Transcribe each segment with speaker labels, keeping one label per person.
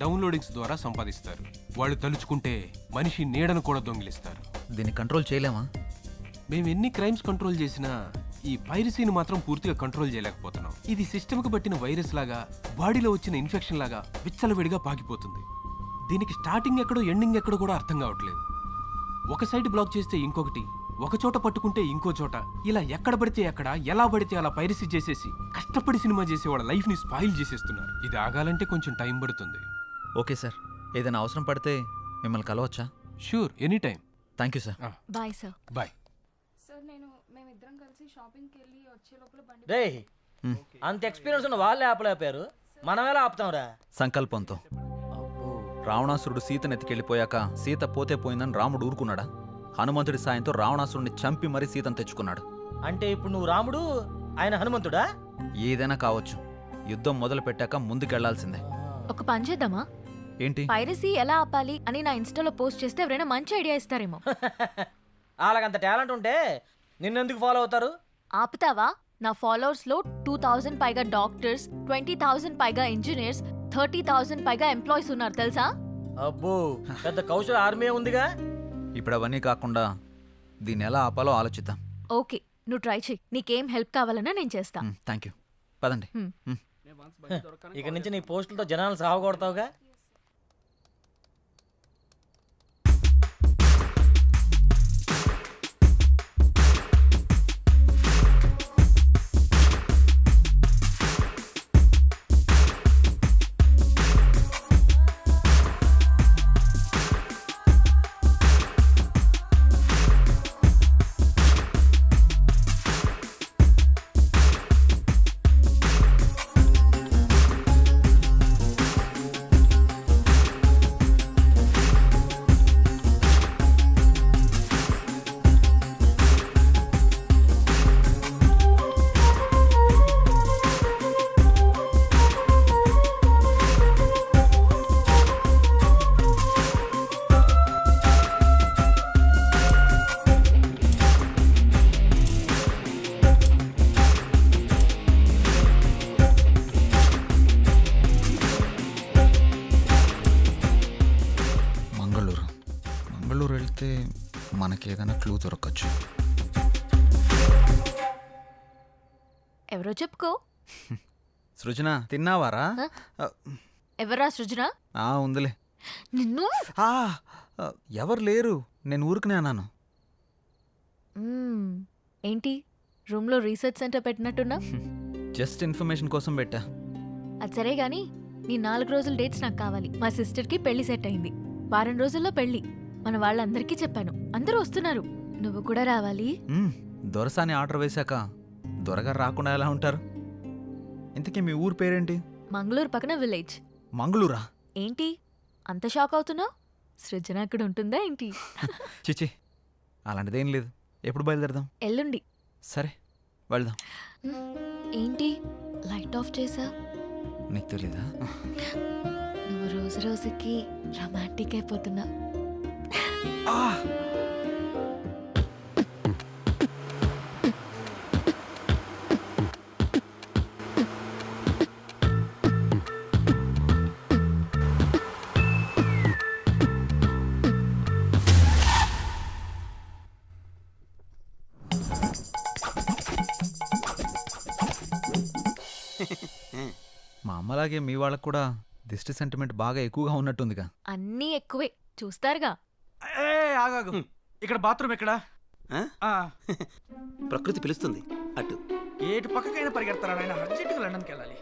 Speaker 1: Downloadings ద్వారా సంపాదిస్తారు. వాళ్ళు తలుచుకుంటే మనిషి నీడను కూడా దొంగిలిస్తారు.
Speaker 2: దీన్ని కంట్రోల్ చేయలేమా?
Speaker 1: మేము ఎన్ని క్రైమ్స్ కంట్రోల్ చేసినా ఈ పైరసీని మాత్రం పూర్తిగా కంట్రోల్ చేయలేకపోతున్నాం. ఇది సిస్టమ్కి పట్టిన వైరస్ లాగా, బాడీలో వచ్చిన ఇన్ఫెక్షన్ లాగా విచ్చలవిడిగా పాకిపోతుంది. దీనికి స్టార్టింగ్ ఎక్కడో ఎండింగ్ ఎక్కడో కూడా అర్థం కావట్లేదు. ఒక సైడ్ బ్లాక్ చేస్తే ఇంకొకటి, ఒక చోట పట్టుకుంటే ఇంకో చోట, ఇలా ఎక్కడ పడితే ఎక్కడ, ఎలా పడితే అలా పైరసీ చేసేసి కష్టపడి సినిమా చేసే వాళ్ళ లైఫ్ ని స్పాయిల్ చేసేస్తున్నారు. ఇది ఆగాలంటే కొంచెం టైం పడుతుంది.
Speaker 2: ఓకే సార్, ఏదైనా అవసరం పడితే మిమ్మల్ని కలవచ్చా?
Speaker 1: Sure, any time.
Speaker 2: Thank you sir.
Speaker 3: Bye sir.
Speaker 1: Bye.
Speaker 4: Sir మేమిద్దరం కలిసి షాపింగ్కి వెళ్ళి వచ్చే లోపల బండి.
Speaker 5: రే అంత ఎక్స్పీరియన్స్ ఉన్న వాళ్ళే ఆపలేపారు, మనం ఎలా ఆపుతాంరా?
Speaker 2: సంకల్పంతో. రావణాసురుడు సీతను ఎత్తికెళ్ళిపోయాక సీత పోతే పోయిందని రాముడు ఊరుకున్నాడా? హనుమంతుడి సాయంతో రావణాసురుడిని చంపి మరీ సీతను తెచ్చుకున్నాడు.
Speaker 5: అంటే ఇప్పుడు నువ్వు రాముడు, ఆయన హనుమంతుడా?
Speaker 2: ఏదైనా కావచ్చు, యుద్ధం మొదలు పెట్టాక ముందుకెళ్లాల్సిందే.
Speaker 3: ఒక పని చేద్దామా?
Speaker 2: ఏంటి?
Speaker 3: పైరసీ ఎలా ఆపాలి అని నా ఇన్స్టాలో పోస్ట్ చేస్తే ఎవరైనా మంచి ఐడియా ఇస్తారేమో.
Speaker 5: వాళ్ళకంత టాలెంట్ ఉంటే నిన్నెందుకు ఫాలో అవుతారు?
Speaker 3: ఆపుతావా? నా ఫాలోవర్స్ లో 2000 పైగా డాక్టర్స్, 20,000 పైగా ఇంజనీర్స్, 30,000 పైగా ఎంప్లాయీస్ ఉన్నారు తెలుసా?
Speaker 5: అబ్బో, పెద్ద కౌశల ఆర్మీ ఉందిగా.
Speaker 2: ఇప్పుడు అవన్నీ కాకుండా దీన్ని ఎలా ఆపాలో ఆలోచిద్దాం.
Speaker 3: ఓకే, నువ్వు ట్రై చెయ్యి. నీకేం హెల్ప్ కావాలన్నా నేను చేస్తా.
Speaker 2: Thank you. పదండి.
Speaker 5: ఇక నుంచి నీ పోస్టులతో జనాలను సాగొడతావుగా.
Speaker 2: మంగళూరు వెళ్తే మనకి ఏదైనా క్లూ దొరకచ్చు.
Speaker 3: ఎవరో చెప్పుకో.
Speaker 2: సృజన, తిన్నావారా?
Speaker 3: ఎవరా సృజన?
Speaker 2: ఉందిలే.
Speaker 3: నిన్ను
Speaker 2: ఎవరు లేరు, నేను ఊరుకునే అన్నాను.
Speaker 3: ఏంటి రూమ్లో రీసెర్చ్ సెంటర్ పెట్టినట్టున్నా?
Speaker 2: జస్ట్ ఇన్ఫర్మేషన్ కోసం పెట్టా.
Speaker 3: అది సరే గాని నీ 4 రోజుల డేట్స్ నాకు కావాలి. మా సిస్టర్కి పెళ్లి సెట్ అయింది. వారం రోజుల్లో పెళ్లి. మన వాళ్ళందరికీ చెప్పాను, అందరూ వస్తున్నారు. నువ్వు కూడా రావాలి.
Speaker 2: దొరసాని ఆర్డర్ వేశాక దొరగారు రాకుండా ఎలా ఉంటారు? ఇంతకీ మీ ఊరు పేరేంటి?
Speaker 3: మంగళూరు పక్కన విలేజ్.
Speaker 2: మంగళూరా?
Speaker 3: ఏంటి అంత షాక్ అవుతున్నావు? సృజన అక్కడ ఉంటుందా ఏంటి?
Speaker 2: చిచి, అలాంటిదేం లేదు. ఎప్పుడు బయలుదేరదాం?
Speaker 3: ఎల్లుండి.
Speaker 2: సరే వెళ్దాం.
Speaker 3: ఏంటి లైట్ ఆఫ్ చేసా?
Speaker 2: నీకు తెలీదా?
Speaker 3: నువ్వు రోజు రోజుకి రొమాంటిక్ అయిపోతున్నా.
Speaker 2: మా అమ్మలాగే మీ వాళ్ళకు కూడా దిష్టి సెంటిమెంట్ బాగా ఎక్కువగా ఉన్నట్టుందిగా.
Speaker 3: అన్నీ ఎక్కువే, చూస్తారుగా.
Speaker 6: ఆగాగు, ఇక్కడ బాత్రూమ్ ఎక్కడా?
Speaker 7: ప్రకృతి పిలుస్తుంది అటు.
Speaker 6: ఏటు పక్కకైనా పరిగెడతారా నాయన? అర్జెంటుగా లండన్కి వెళ్ళాలి.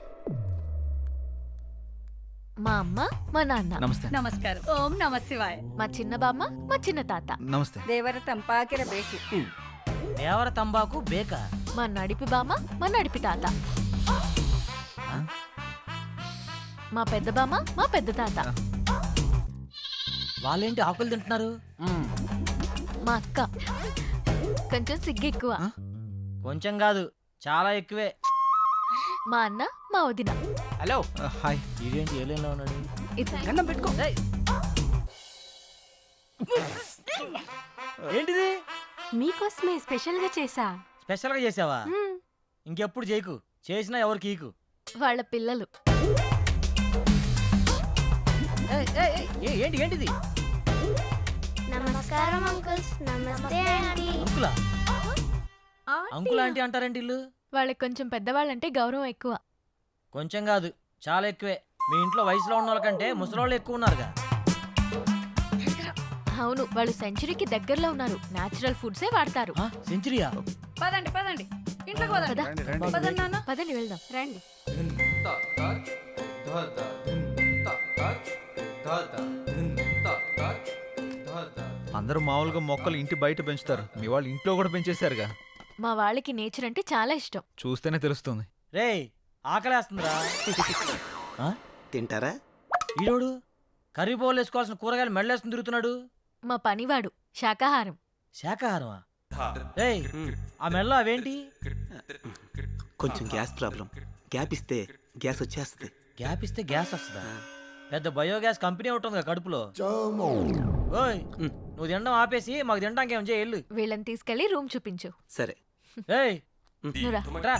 Speaker 3: మా అమ్మ, మా నాన్న.
Speaker 2: నమస్తే.
Speaker 4: నమస్కారం. ఓం నమ శివాయ.
Speaker 3: మా చిన్న బామ్మ, మా చిన్న తాత.
Speaker 2: నమస్తే.
Speaker 4: దేవర తంపాకిర బేకి.
Speaker 5: దేవర తంబాకు బేకా.
Speaker 3: మా నడిపి బామ్మ, మా నడిపి తాత. మా పెద్ద బామ్మ, మా పెద్ద తాత.
Speaker 5: వాళ్ళేంటి ఆకులు తింటున్నారు?
Speaker 3: మా అక్క కొంచెం సిగ్గు ఎక్కువ.
Speaker 5: కొంచెం కాదు, చాలా ఎక్కువే.
Speaker 3: మా అన్న, మా వదిన.
Speaker 5: హలో.
Speaker 2: హాయ్.
Speaker 5: ఇదేంటి ఏలేలో ఉన్నాడు?
Speaker 6: గన్నం పెట్టుకో.
Speaker 5: ఏంటిది?
Speaker 4: మీకోసమే స్పెషల్ గా చేసా.
Speaker 5: స్పెషల్ గా చేసావా? ఇంకెప్పుడు చేయకు, చేసినా ఎవరికి ఈకు.
Speaker 3: వాళ్ళ పిల్లలు.
Speaker 5: ఏంటి ఏంటిది
Speaker 7: నమస్కారం అంకుల్స్. నమస్తే ఆంటీ.
Speaker 5: అంకులా అంకుల్ ఆంటీ అంటారేంటి ఇల్లు?
Speaker 3: వాళ్ళకి కొంచెం పెద్దవాళ్ళంటే గౌరవం ఎక్కువ.
Speaker 5: కొంచెం కాదు, చాలా ఎక్కువే. మీ ఇంట్లో వయసులో ఉన్న వాళ్ళకంటే ముసలోళ్ళు ఎక్కువ ఉన్నారుగా.
Speaker 3: అవును, వాళ్ళు సెంచరీకి దగ్గరలో ఉన్నారు. నేచురల్ ఫుడ్సే వాడతారు.
Speaker 5: సెంచరీయా?
Speaker 4: పదండి పదండి ఇంట్లోకి పదండి.
Speaker 3: పద.
Speaker 4: పదండి నాన్న.
Speaker 3: పదండి వెళ్దాం.
Speaker 4: రండి.
Speaker 2: అందరూ మామూలుగా మొక్కలు ఇంటి బయట పెంచుతారు, మీ వాళ్ళు ఇంట్లో కూడా పెంచేశారుగా.
Speaker 3: మా వాళ్ళకి నేచర్ అంటే చాలా ఇష్టం.
Speaker 2: చూస్తేనే తెలుస్తుంది.
Speaker 5: రేయ్ ఆకలేస్తుందిరా.
Speaker 6: తింటారా?
Speaker 5: ఈరోడు కర్రీ బౌల్ వేసుకోవాల్సిన కూరగాయలు మెడలేసుకుని తిరుగుతున్నాడు.
Speaker 3: మా పనివాడు శాకాహారం.
Speaker 5: శాకాహారమా? రేయ్ ఆ మెడలో అవేంటి?
Speaker 8: కొంచెం గ్యాస్ ప్రాబ్లం. గ్యాప్ ఇస్తే గ్యాస్ వచ్చేస్తుంది.
Speaker 5: గ్యాప్ ఇస్తే గ్యాస్ వస్తుందా? పెద్ద బయోగ్యాస్ కంపెనీ ఉంటుంది కడుపులో. ఓయ్ నువ్వు తినడం ఆపేసి మాకు తినడానికి ఏం చేయాలి?
Speaker 3: వీళ్ళని తీసుకెళ్లి రూమ్ చూపించు.
Speaker 8: సరే.
Speaker 5: ఏయ్
Speaker 3: నువ్వురా.
Speaker 5: రా.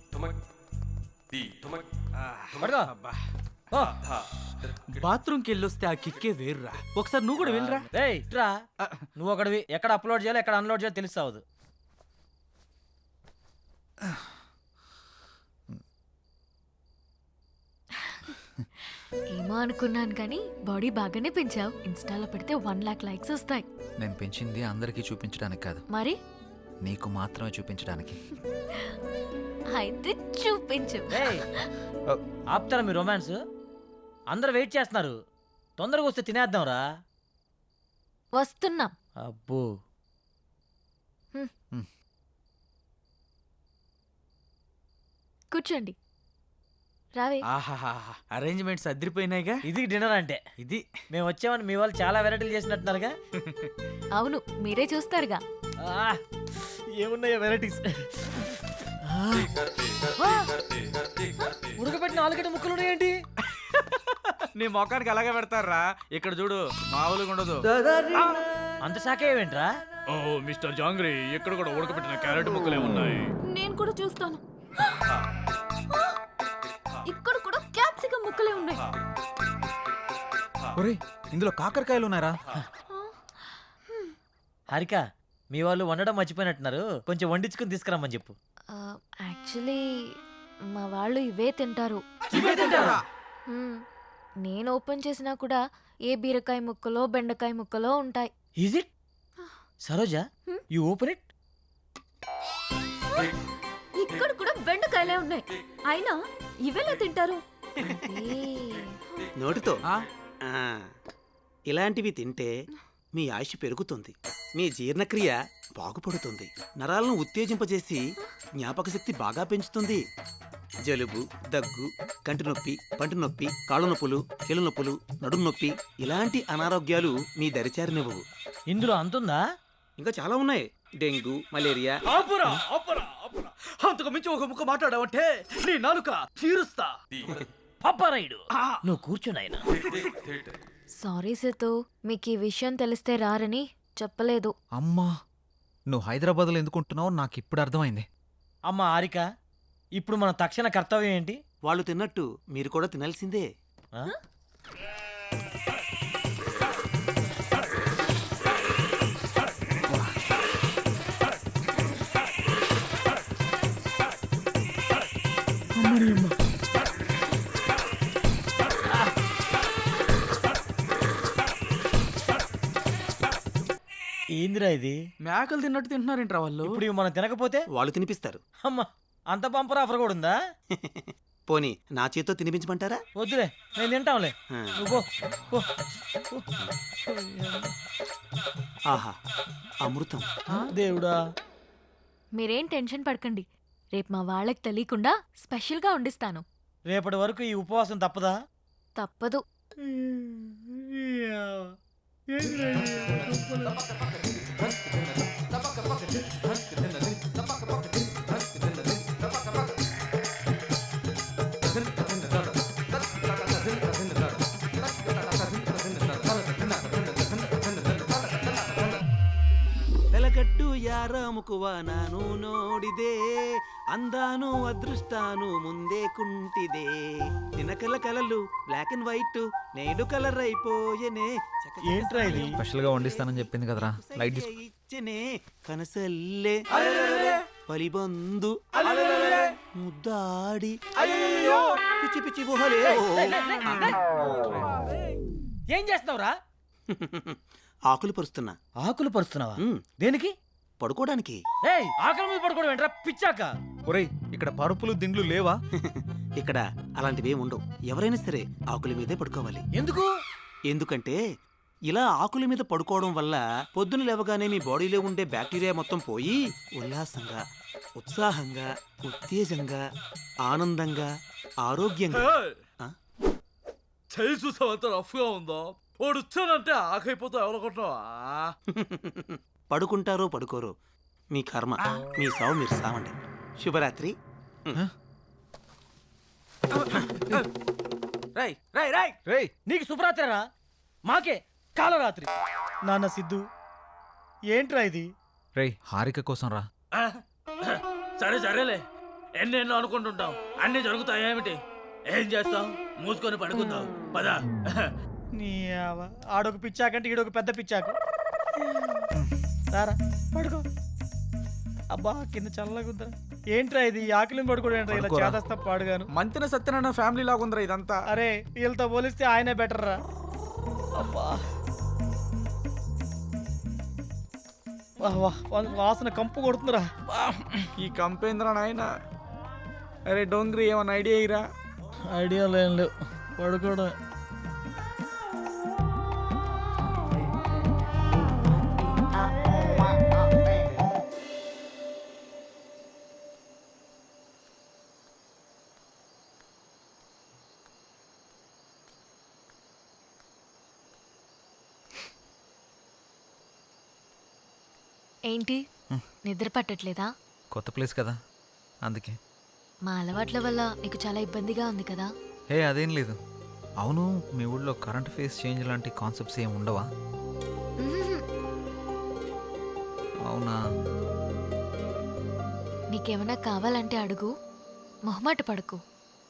Speaker 5: పడుకో. ఓ.
Speaker 6: బాత్రూమ్కి వెళ్ళొస్తే ఆ కిక్కే వేరురా. ఒకసారి నువ్వు కూడా వెళ్ళరా.
Speaker 5: రేయ్ రా. నువ్వు ఒకడివి ఎక్కడ అప్లోడ్ చేయాలో ఎక్కడ అన్లోడ్ చేయాలో తెలుస్తావు.
Speaker 3: ఏమో అనుకున్నాను కానీ బాడీ బాగానే పెంచావు. ఇన్స్టాలో పెడితే 1 lakh లైక్స్ వస్తాయి.
Speaker 2: నేను పెంచింది అందరికీ చూపించడానికి కాదు,
Speaker 3: మరి
Speaker 2: నీకు మాత్రమే చూపించడానికి.
Speaker 3: అయితే చూపించు.
Speaker 5: రేయ్ ఆపుతారా మీ రొమాన్స్? అందరు వెయిట్ చేస్తున్నారు, తొందరగా వస్తే తినేద్దాంరా.
Speaker 3: వస్తున్నాం.
Speaker 5: అబ్బో
Speaker 3: కూర్చోండి. రావే.
Speaker 6: ఆహాహా, అరేంజ్మెంట్స్ అదిరిపోయినాయిగా.
Speaker 5: ఇది డిన్నర్ అంటే.
Speaker 6: ఇది
Speaker 5: మేము వచ్చామని మీ వాళ్ళు చాలా వెరైటీలు చేసినట్టున్నారుగా.
Speaker 3: అవును, మీరే చూస్తారుగా.
Speaker 5: ఆ, ఏమున్నాయో వెరైటీస్. ఉడకబెట్టిన ఆలుగడ్డ ముక్కలు ఉన్నాయేంటి?
Speaker 6: నీ మొఖానికి అలాగే పెడతారా. ఇక్కడ చూడు, మామూలుగా ఉండదు.
Speaker 5: అంత శాఖ ఏమేంట్రా?
Speaker 6: ఓ మిస్టర్ జాంగ్రీ, ఇక్కడ కూడా ఉడకబెట్టిన క్యారెట్ ముక్కలే ఉన్నాయి.
Speaker 4: నేను కూడా చూస్తాను. ఇక్కడ కూడా క్యాప్సికం ముక్కలే ఉన్నాయి.
Speaker 2: ఒరేయ్ ఇందులో కాకరకాయలు ఉన్నారా?
Speaker 5: హారిక మీ వాళ్ళు వండడం మర్చిపోయినట్టున్నారు, కొంచెం వండించుకుని తీసుకురమ్మని చెప్పు.
Speaker 3: యాక్చువల్లీ మా వాళ్ళు ఇవే తింటారు. మ్మ్. నేను ఓపెన్ చేసినా కూడా ఏ బీరకాయ ముక్కలో బెండకాయ ముక్కలో ఉంటాయి.
Speaker 5: Is it? Saroja you open it.
Speaker 4: ఇక్కడ కూడా బెండకాయలే ఉన్నాయి. అయినా ఇవెలా తింటారు?
Speaker 3: అదే.
Speaker 8: నోటితో. ఇలాంటివి తింటే మీ ఆయుష్ పెరుగుతుంది, మీ జీర్ణక్రియ బాగుపడుతుంది, నరాలను ఉత్తేజింపజేసి జ్ఞాపక శక్తి బాగా పెంచుతుంది. జలుబు, దగ్గు, కంటి నొప్పి, పంటి నొప్పి, కాళ్ళ నొప్పులు, కీళ్ళ నొప్పులు, నడుము నొప్పి ఇలాంటి అనారోగ్యాలు మీ దరిచారినివ్వవు.
Speaker 5: ఇందులో అంతుందా?
Speaker 8: ఇంకా చాలా ఉన్నాయి. Dengue, malaria.
Speaker 6: ఆపురా, ఆపురా, ఆపురా. అంతకు మించి ఒక ముక్క మాట్లాడావంటే నీ నాలుక తీరుస్తా.
Speaker 5: పప్పారాయుడు నువ్వు కూర్చున్నాయన.
Speaker 3: సారీ సేతు, మీకు ఈ విషయం తెలిస్తే రారని చెప్పలేదు.
Speaker 2: అమ్మా, నువ్వు హైదరాబాద్లో ఎందుకుంటున్నావు నాకు ఇప్పుడు అర్థమైంది.
Speaker 5: అమ్మ హారిక, ఇప్పుడు మన తక్షణ కర్తవ్యం ఏంటి?
Speaker 8: వాళ్ళు తిన్నట్టు మీరు కూడా తినాల్సిందే.
Speaker 5: ఆ? ఏందిరా ఇది?
Speaker 6: మేకలు తిన్నట్టు తింటున్నారేంట్రా వాళ్ళు.
Speaker 5: ఇప్పుడు ఇవి మనం తినకపోతే
Speaker 8: వాళ్ళు తినిపిస్తారు.
Speaker 5: అమ్మ అంత పంపర్ ఆఫర్ కూడా ఉందా?
Speaker 8: పోనీ నా చేతితో తినిపించమంటారా?
Speaker 5: వద్దులే, నేను తింటాంలే.
Speaker 8: ఆ.
Speaker 5: నువ్వు పో, పో.
Speaker 8: ఆహా, అమృతం.
Speaker 5: దేవుడా.
Speaker 3: మీరేం టెన్షన్ పడకండి. రేపు మా వాళ్ళకి తెలియకుండా స్పెషల్గా వండిస్తాను.
Speaker 5: రేపటి వరకు ఈ ఉపవాసం తప్పదా?
Speaker 3: తప్పదు.
Speaker 8: వెలగట్టు యార ಆರಾಮುಕುವ ನಾನು ನೋಡಿದೆ ಅಂದಾನು ಅದೃಷ್ಟಾನು ಮುಂದೆ ಕುಂಟಿದೆ ದಿನಕಲ కలలు బ్లాక్ అండ్ వైట్ నేడు కలర్ అయిపోయెనే
Speaker 5: ఏంట్రా ఇది?
Speaker 2: స్పెషల్ గా వండిస్తానని చెప్పింది కదరా, లైట్ తీసుకో.
Speaker 8: ఇచ్చనే కనసల్లే పలిబందు ముద్దాడి పిచ్చి పిచ్చి గుహలే
Speaker 5: ఏం చేస్తున్నావురా?
Speaker 8: ఆకులు పరుస్తున్నా.
Speaker 5: ఆకులు పరుస్తున్నావా?
Speaker 8: ఉమ్,
Speaker 5: దేనికి?
Speaker 8: పడుకోవడానికి.
Speaker 5: ఏయ్, ఆకలి మీద పడుకోవడం ఏంట్రా పిచ్చాక?
Speaker 2: ఒరేయ్, ఇక్కడ పరుపులు దిండ్లు లేవా?
Speaker 8: ఇక్కడ అలాంటివి ఉండవు. ఎవరైనా సరే ఆకుల మీదే పడుకోవాలి.
Speaker 5: ఎందుకు?
Speaker 8: ఎందుకంటే ఇలా ఆకుల మీద పడుకోవడం వల్ల పొద్దున లేవగానే మీ బాడీలో ఉండే బ్యాక్టీరియా మొత్తం పోయి ఉల్లాసంగా, ఉత్సాహంగా, ఉత్తేజంగా, ఆనందంగా, ఆరోగ్యంగా. ఆ?
Speaker 6: చేయి చూసావు ఎంత రఫ్గా ఉందో. వాడు వచ్చానంటే ఆకైపోతావు ఎవరనుకుంటున్నావా?
Speaker 8: పడుకుంటారో పడుకోరో మీ కర్మ. మీ సావు మీరు సావండి. శుభరాత్రి.
Speaker 5: రై రై రై
Speaker 2: రేయ్,
Speaker 5: నీకు శుభరాత్రిరా, మాకే కాలరాత్రి. నాన్న సిద్ధు, ఏంట్రా ఇది?
Speaker 2: రేయ్, హారిక కోసం రా.
Speaker 6: సరే సరేలే, ఎన్నెన్నో అనుకుంటుంటాం, అన్నీ జరుగుతాయి. ఏమిటి ఏం చేస్తాం? మూసుకొని పడుకుందాం పదా.
Speaker 5: నీ ఆడొక పిచ్చాకంటే ఈడొక పెద్ద పిచ్చాకు. రారా పడుకో. అబ్బా, కింద చల్లగా ఉందరా. ఏంట్రా ఇది? ఆకలి పడుకోవడం ఏంట్రా ఇలా
Speaker 2: పడుకోరా.
Speaker 5: చేదస్తా పాడుగాను.
Speaker 9: మంతిన సత్యనారాయణ ఫ్యామిలీ లాగుందిరా ఇదంతా.
Speaker 5: అరే, వీళ్ళతో పోలిస్తే ఆయనే బెటర్ రా. అబ్బా, వాహ్ వాహ్, వాసన కంపు కొడుతుందిరా.
Speaker 9: ఈ కంపేంద్ర నాయన. అరే డోంగ్రీ, ఏమన్నా ఐడియా ఇరా?
Speaker 5: ఐడియా లేం లేవు, పడుకోవడం.
Speaker 3: ఏంటి నిద్ర పట్టట్లేదా?
Speaker 2: కొత్త ప్లేస్ కదా, అందుకే.
Speaker 3: మా అలవాట్ల వల్ల నీకు చాలా ఇబ్బందిగా ఉంది కదా?
Speaker 2: హే, అదేం లేదు. అవును, మీ ఊళ్ళో కరెంట్ ఫేస్ చేంజ్ లాంటి కాన్సెప్ట్స్ ఏమి ఉండవా?
Speaker 3: మ్మ్.
Speaker 2: అవునా?
Speaker 3: నీకేమైనా కావాలంటే అడుగు, మొహమాట పడకు.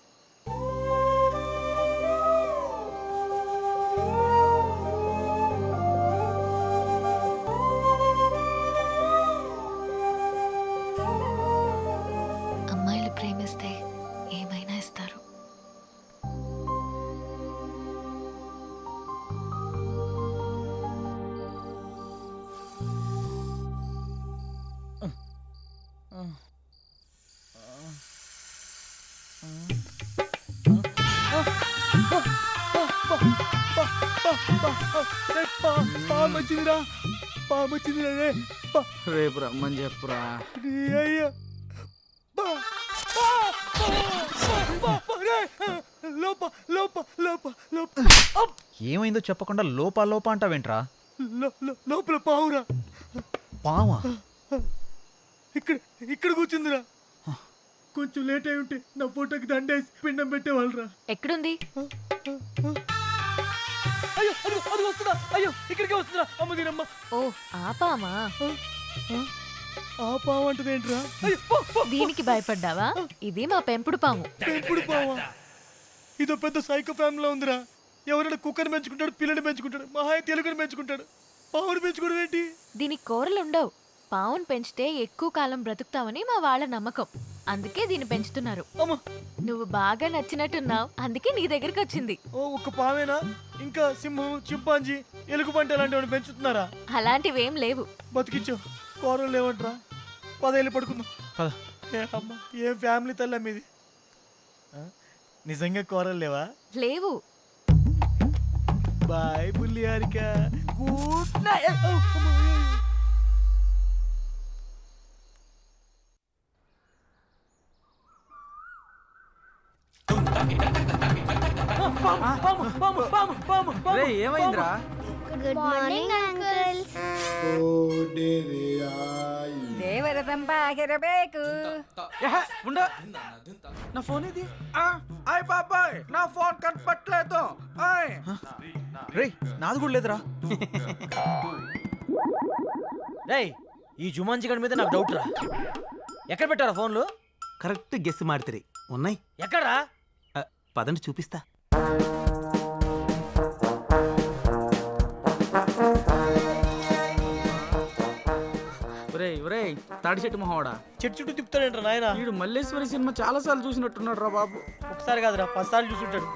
Speaker 3: అమ్మాయిలు ప్రేమిస్తే ఏమైనా ఇస్తారు.
Speaker 5: పామొచ్చిందిరా, పామొచ్చిందిరా.
Speaker 9: రేపు రమ్మని చెప్పురా.
Speaker 5: లోప లోప లోప లోప
Speaker 2: ఏమైందో చెప్పకుండా లోపా లోపా అంటావేంట్రా?
Speaker 5: లోపల పావురా.
Speaker 2: పావా?
Speaker 5: ఇక్కడ ఇక్కడ కూర్చుందిరా. కొంచెం లేట్ అయి ఉంటే నా ఫోటోకి దండేసి పిండం పెట్టేవాళ్ళరా.
Speaker 3: ఎక్కడుంది?
Speaker 5: అయ్యో, అది అది వస్తుందా? అయ్యో, ఇక్కడికే వస్తుందా? అమ్మ దీనమ్మ.
Speaker 3: ఓ, ఆపామా?
Speaker 5: ఆ పాము అంటది ఏంట్రా? అయ్యో, పో, పో.
Speaker 3: దీనికి భయపడ్డావా? ఇది మా పెంపుడు పాము.
Speaker 5: పెంపుడు పావా? ఇదో పెద్ద సైకో ఫ్యామిలీలో ఉందిరా. ఎవరైనా కుక్కని పెంచుకుంటాడు, పిల్లని పెంచుకుంటాడు, మహా తెలుగుని పెంచుకుంటాడు. పావుని పెంచుకోవడం ఏంటి?
Speaker 3: దీనికి కూరలు ఉండవు. పావును పెంచితే ఎక్కువ కాలం బ్రతుకుతావని మా వాళ్ళ నమ్మకం. అందుకే దీన్ని పెంచుతున్నారు.
Speaker 5: అమ్మ,
Speaker 3: నువ్వు బాగా నచ్చినట్టున్నావు, అందుకే నీ దగ్గరికి వచ్చింది.
Speaker 5: ఓ ఒక్క పావేనా? ఇంకా సింహం, చింపాంజీ, ఎలుగుబంటి అలాంటివి పెంచుతున్నారా?
Speaker 3: అలాంటివేం లేవు.
Speaker 5: బతికిచ్చావు. కూరలు లేవంట్రా. 10 ఏళ్ళు పడుకుందాం.
Speaker 2: పద.
Speaker 5: ఏ అమ్మ, ఏం ఫ్యామిలీ తల్లి మీది. నిజంగా కూరలు లేవా?
Speaker 3: లేవు.
Speaker 5: బాయ్ బుల్లి హారిక. Good night.
Speaker 9: రే ఏమైందిరా?
Speaker 7: Good morning uncles.
Speaker 10: ದೇವರದಂಬಾಗಿರಬೇಕು.
Speaker 9: ఉండ, నా ఫోన్ ఇది. ఆయ్ బాబాయ్, నా ఫోన్ కనపట్లేదు. ఆయ్
Speaker 2: రేయ్, నాది కూడా లేదురా.
Speaker 5: రేయ్, ఈ జుమాన్జీ గడి మీద నాకు డౌట్ రా. ఎక్కడ పెట్టారా ఫోన్లు?
Speaker 8: కరెక్ట్ గెస్ మాడితే ఉన్నాయి.
Speaker 5: ఎక్కడా?
Speaker 8: పదండి చూపిస్తా.
Speaker 9: ఒరేయ్ ఒరేయ్ తాడి చెట్టు మొహవాడా,
Speaker 5: చెట్టు చుట్టూ తిప్పుతాడేంట్రా నాయన?
Speaker 9: వీడు మల్లేశ్వరి సినిమా చాలా సార్లు చూసినట్టున్నాడు రా బాబు.
Speaker 5: ఒకసారి కాదురా 10 సార్లు చూసుంటాడు.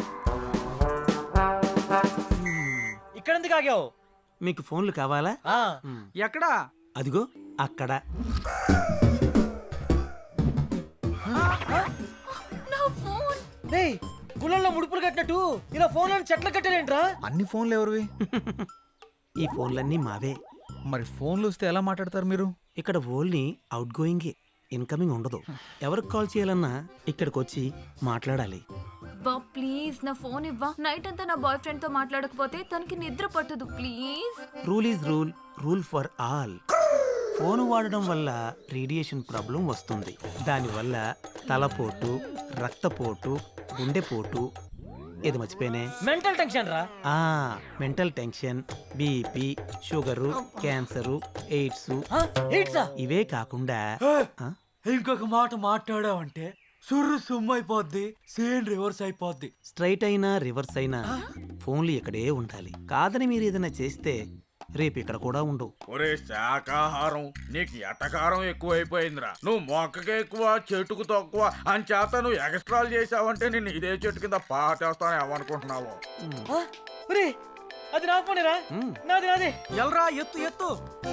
Speaker 5: ఇక్కడ ఎందుకు ఆగావు?
Speaker 8: మీకు ఫోన్లు కావాలా?
Speaker 5: ఆ,
Speaker 9: ఎక్కడా?
Speaker 8: అదిగో అక్కడ.
Speaker 5: రేయ్ గుళ్ళల్లో ముడుపులు కట్టినట్టు ఇలా ఫోన్లను చెట్లు కట్టారేంట్రా?
Speaker 2: అన్ని ఫోన్లు ఎవరివి?
Speaker 8: ఈ ఫోన్లన్నీ మావే.
Speaker 2: మరి ఫోన్లు వస్తే ఎలా మాట్లాడతారు మీరు?
Speaker 8: ఇక్కడ ఓన్లీ అవుట్ గోయింగే, ఇన్కమింగ్ ఉండదు. ఎవరికి కాల్ చేయాలన్నా ఇక్కడికి వచ్చి మాట్లాడాలి.
Speaker 4: బా ప్లీజ్ నా ఫోన్ ఇవ్వా. నైట్ అంతా నా బాయ్ ఫ్రెండ్ తో మాట్లాడకపోతే తనకి నిద్ర పట్టదు please.
Speaker 8: Rule is rule, rule for all. Phone వాడడం వల్ల రేడియేషన్ ప్రాబ్లం వస్తుంది. దానివల్ల తలపోటు, రక్తపోటు, గుండెపోటు, ఏది మర్చిపోయినే,
Speaker 5: మెంటల్ టెన్షన్ రా.
Speaker 8: Mental tension, BP, sugar, cancer, AIDS,
Speaker 5: ఏంట్రా?
Speaker 8: ఇవే కాకుండా
Speaker 6: ఇంకొక మాట మాట్లాడావంటే సుర్రు సుమ్మైపోద్ది, సేన్ రివర్స్ అయిపోద్ది.
Speaker 8: స్ట్రైట్ అయినా రివర్స్ అయినా ఫోన్లు ఇక్కడే ఉండాలి. కాదని మీరు ఏదైనా చేస్తే రేపు ఇక్కడ కూడా ఉండవు.
Speaker 6: ఒరే శాకాహారం, నీకు ఎటకారం ఎక్కువైపోయిందిరా. నువ్వు మొక్కకి ఎక్కువ చెట్టుకు తక్కువ అని చేత నువ్వు ఎక్స్ట్రాలు చేసావంటే నేను ఇదే చెట్టు కింద పాటేస్తాను ఏమనుకుంటున్నావు?
Speaker 5: ఒరే అది నా ఫోనేరా. నాది నాది.
Speaker 9: ఎల్రా ఎత్తు ఎత్తు.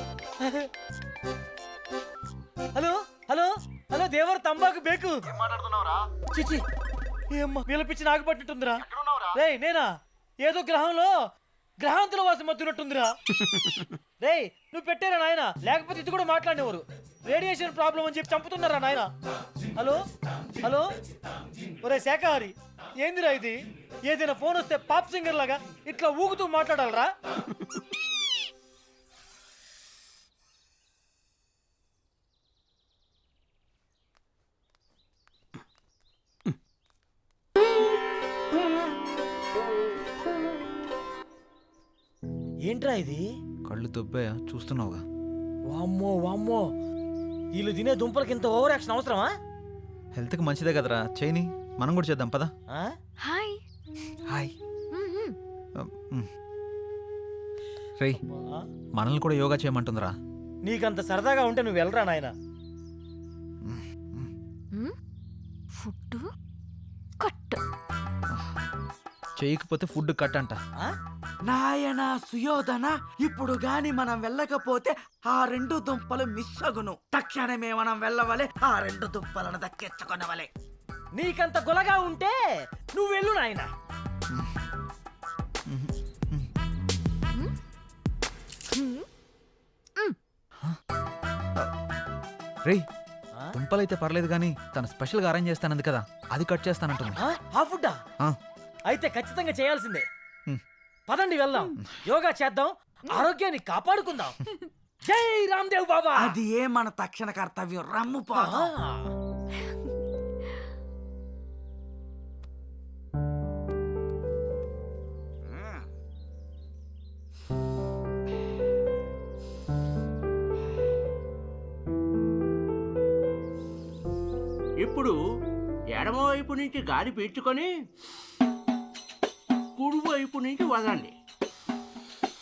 Speaker 5: హలో హలో హలో దేవర్ తంబాకు బేకు. చిచి ఏమ్మా వీళ్ళ పిచ్చి నాకు పట్టినట్టుందిరా. రేయ్ నేనా? ఏదో గ్రహాంతుల వాసం మత్తున్నట్టుందిరా. రేయ్ నువ్వు పెట్టారా నాయన, లేకపోతే ఇది కూడా మాట్లాడేవారు. రేడియేషన్ ప్రాబ్లం అని చెప్పి చంపుతున్నారా నాయన. హలో హలో ఒరే శాఖాహారి, ఏందిరా ఇది? ఏదైనా ఫోన్ వస్తే పాప్ సింగర్ లాగా ఇట్లా ఊగుతూ మాట్లాడాలరా? ఏంట్రా ఇది?
Speaker 2: కళ్ళు దొబ్బాయా? చూస్తున్నావుగా.
Speaker 5: వామ్మో వామ్మో, వీళ్ళు తినే దుంపలకి ఇంత ఓవర్ యాక్షన్ అవసరమా?
Speaker 2: హెల్త్కి మంచిదే కదరా, చేయని. మనం కూడా చేద్దాం పదా.
Speaker 5: ఆ?
Speaker 3: హాయ్.
Speaker 2: హాయ్. రేయ్ మనల్ని కూడా యోగా చేయమంటుందిరా.
Speaker 5: నీకంత సరదాగా ఉంటే నువ్వు వెళ్ళరా నాయన.
Speaker 3: Food cut.
Speaker 2: చేయకపోతే ఫుడ్ కట్ అంట.
Speaker 9: నాయనా సుయోధన, ఇప్పుడు గాని మనం వెళ్ళకపోతే ఆ 2 దుంపలు మిస్ అగును. తక్షణమే మనం వెళ్ళవలే, ఆ 2 దుంపలను దక్కించుకొనవలే.
Speaker 5: నీకంత గులగా ఉంటే నువ్వు వెళ్ళు నాయన.
Speaker 2: రేయ్ దుంపలైతే పర్లేదు కానీ తను స్పెషల్గా అరేంజ్ చేస్తానంది కదా, అది కట్ చేస్తానంటుంది.
Speaker 5: ఆ ఫుడ్డా?
Speaker 2: ఆ.
Speaker 5: అయితే ఖచ్చితంగా చేయాల్సిందే.
Speaker 2: హ్మ్.
Speaker 5: పదండి వెళ్దాం, యోగా చేద్దాం, ఆరోగ్యాన్ని కాపాడుకుందాం. జై రామ్దేవ్ బాబా.
Speaker 9: అది ఏ మన తక్షణ కర్తవ్యం. రమ్ము పా.
Speaker 6: ఇప్పుడు ఎడమవైపు నుంచి గాలి పీల్చుకొని కుడివైపు నుంచి వదండి.